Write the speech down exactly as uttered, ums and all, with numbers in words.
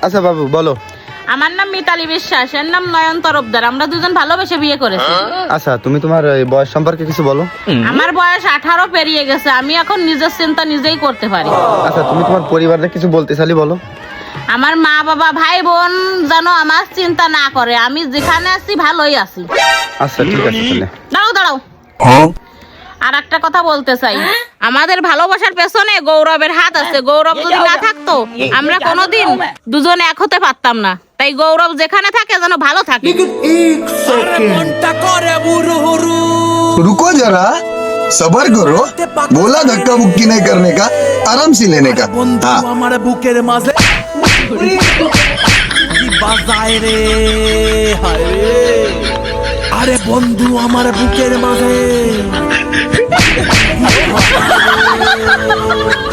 আচ্ছা বাবু বলো। আমার নাম মিতালি বিশ্বাস, এর নাম নয়ন তরফদার। আমরা দুজন ভালোবেসে বিয়ে করেছি। আচ্ছা তুমি তোমার এই বয়স সম্পর্কে কিছু বলো। আমার বয়স আঠারো পেরিয়ে গেছে, আমি এখন নিজের চিন্তা নিজেই করতে পারি। আচ্ছা তুমি তোমার পরিবারে কিছু বলতে চাইলে বলো। আমার মা বাবা ভাই বোন যেন আমার চিন্তা না করে, আমি যেখানে আছি ভালোই আছি। আচ্ছা ঠিক আছে তাহলে। দাঁড়াও দাঁড়াও, আর একটা কথা বলতে চাই। আমাদের ভালোবাসার পেছনে গৌরবের হাত আছে। গৌরব যদি না থাকতো আমরা কোনোদিন দুজন এক হতে পারতাম না। তাই গৌরব যেখানে থাকে যেন ভালো থাকে। रुको जरा सबर करो बोला धक्का मुक्की नहीं करने का आराम से लेने का हाँ আমার বুকের মাঝে বাজায় রে হায় রে আরে বন্ধু আমার বুকের মাঝে